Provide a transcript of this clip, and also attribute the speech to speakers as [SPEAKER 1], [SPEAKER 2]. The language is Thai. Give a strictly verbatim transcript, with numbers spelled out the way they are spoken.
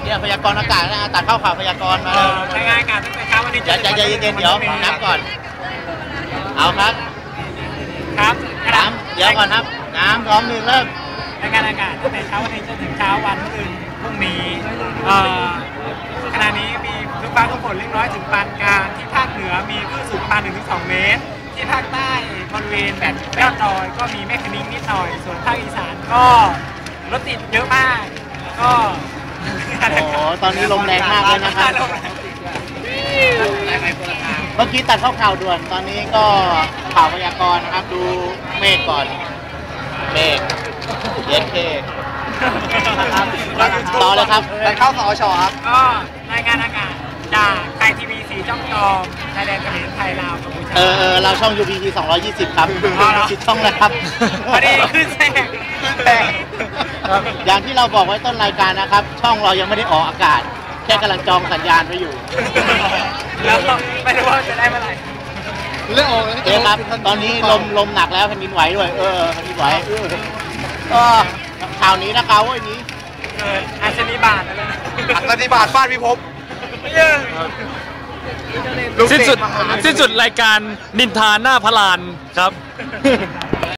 [SPEAKER 1] เนี่ยพยากรณ์อากาศนะตัดเข้าข่าวพยากรณ์มาเลย
[SPEAKER 2] รายงานอากาศตั้งแต่เช้าวันนี้จะ
[SPEAKER 1] ใจเย็นๆเดี๋ยวน้ำก่อนเอาครับ
[SPEAKER 2] ครับ
[SPEAKER 1] น้ำเดี๋ยวก่อนครับน้ำพร้อมหนึ่งเริ่ม
[SPEAKER 2] รายงานอากาศตั้งแต่เช้าวันนี้จนถึงเช้าวันอื่นพรุ่งนี้ขณะนี้มีฝนฟ้าฝนเล็กน้อยถึงปานกลางที่ภาคเหนือมีคลื่นสูงประมาณ หนึ่งถึงสอง เมตรที่ภาคใต้บริเวณแบบยอดดอยก็มีเมฆคณิ้งนิดหน่อยส่วนภาคอีสานก็รถติดเยอะมากก็
[SPEAKER 1] โอ้ตอนนี้ลมแรงมากเลยนะครับเมื่อกี้ตัดเข้าข่าวด่วนตอนนี้ก็ข่าวพยากรณ์นะครับดูเมฆก่อนเมฆเย็นเคต่อเลยครับ
[SPEAKER 3] ตัดเข้าสอชครับ
[SPEAKER 2] ก็รายงานอากาศจากไทยทีวีสีจ้องจอมไทยแลนด์เขมรไทยลาวกัมพูชา
[SPEAKER 1] เออเออเราช่อง ยู พี ที สองร้อยยี่สิบครับชิดช่องนะครับ
[SPEAKER 2] พอดีขึ้นแทรก
[SPEAKER 3] ขึ้นแทรก
[SPEAKER 1] อย่างที่เราบอกไว้ต้นรายการนะครับช่องเรายังไม่ได้ออกอากาศแค่กำลังจองสัญญาณไว้อยู่
[SPEAKER 2] แล้วไม่รู้ว่าจะได้เมื่อไหร่
[SPEAKER 3] เรื่องออก
[SPEAKER 1] เดี๋ยวครับตอนนี้ลมลมหนักแล้วแผ่นดินไหวด้วยเออแผ่นดินไหวก็ข่าวนี้นะครับว่านี้
[SPEAKER 2] อาชนีบาทอะไร
[SPEAKER 3] อาชนีบาทฟาดพิภพ
[SPEAKER 4] สิ้นสุดสิ้นสุดรายการนินทาหน้าพลานครับ